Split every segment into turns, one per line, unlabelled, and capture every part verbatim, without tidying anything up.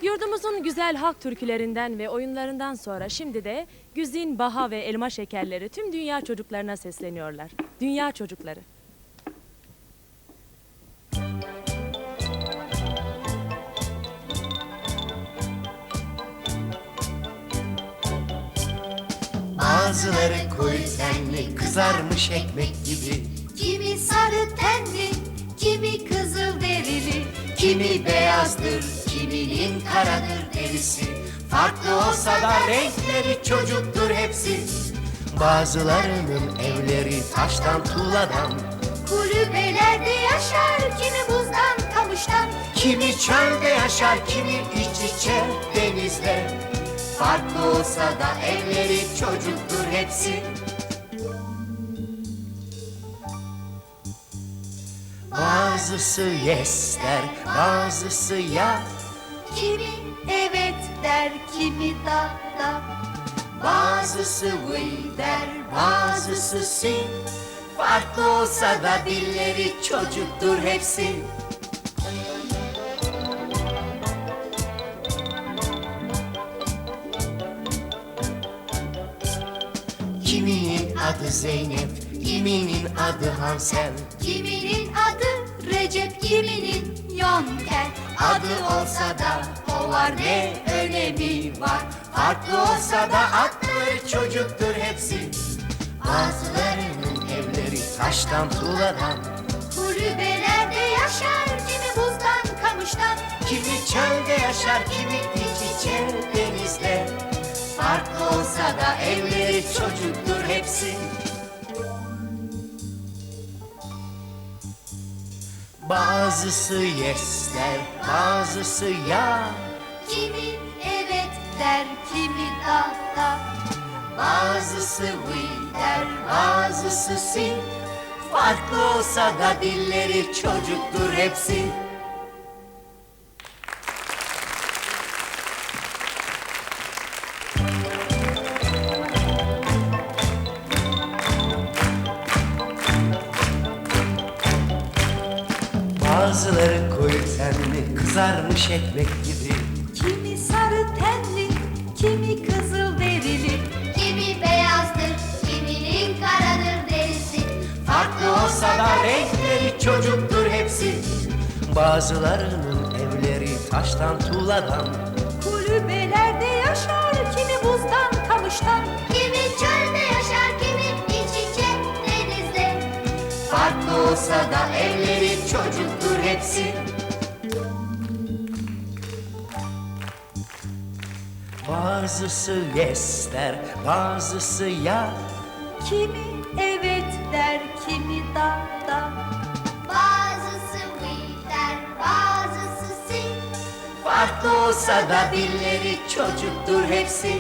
Yurdumuzun güzel halk türkülerinden ve oyunlarından sonra şimdi de güzin, baha ve elma şekerleri tüm dünya çocuklarına sesleniyorlar. Dünya çocukları.
Bazıları koyu tenli, kızarmış ekmek gibi.
Kimi sarı tenli, kimi kızıl derili,
Kimi beyazdır, kiminin karadır derisi. Farklı olsa da renkleri çocuktur hepsi. Bazılarının evleri taştan tuğladan,
kulübelerde yaşar, kimi buzdan kamıştan.
kimi çölde yaşar, kimi iç içe denizde. Farklı olsa da evleri çocuktur hepsi. Bazısı yes der, bazısı ya.
Kimi evet der, kimi da da.
Bazısı we der, bazısı si. Farklı olsa da dilleri çocuktur hepsi. Kiminin adı Zeynep, kiminin adı Hansel.
Kiminin adı Recep, kiminin Yonker.
Adı olsa da o var, ne önemi var. Farklı olsa da adları çocuktur hepsi. Bazılarının evleri taştan tuğladan,
Kulübelerde yaşar, kimi buzdan kamıştan.
kimi çölde yaşar, kimi iç içe denizde. Farklı olsa da evleri çocuktur hepsi. Bazısı yes der, bazısı ya.
Kimi evet der, kimi da da.
Bazısı we der, bazısı si. Farklı olsa da dilleri çocuktur hepsi. Bazıları koyu tenli, kızarmış ekmek gibi.
Kimi sarı tenli, kimi kızıl derili. Kimi beyazdır, kiminin karadır derisi.
Farklı olsa da renkleri çocuktur hepsi. Bazılarının evleri taştan tuğladan,
Kulübelerde yaşar, kimi buzdan kamıştan. Kimi çölde yaşar, kimi iç içe denizde.
farklı olsa da evleri çocuktur hepsi. Bazısı yes der, bazısı ya.
Kimi evet der, kimi da da. Bazısı we der, bazısı si.
Farklı olsa da dilleri çocuktur hepsi.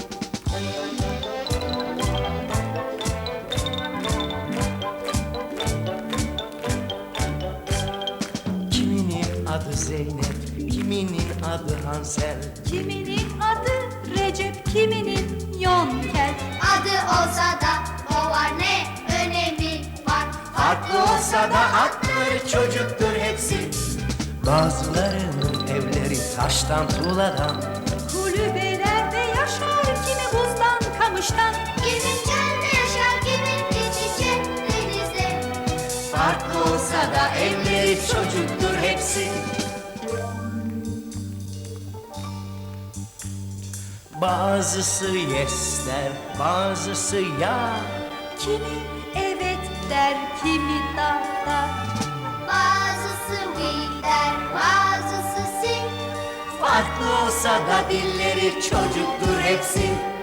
Kiminin adı Zeynep, kiminin adı Hansel.
Kiminin adı Recep, kiminin Yonker. Adı olsa da o var, ne önemi var.
Farklı olsa da adları çocuktur hepsi. Bazılarının evleri taştan tuğladan,
Kulübelerde yaşar, kimi buzdan kamıştan. Kimi çölde yaşar, kimi iç içe denizde.
farklı olsa da evleri çocuktur hepsi. Bazısı yes der, bazısı ya.
Kimi evet der, kimi da da. Bazısı we der, bazısı si.
Farklı olsa da dilleri çocuktur hepsi.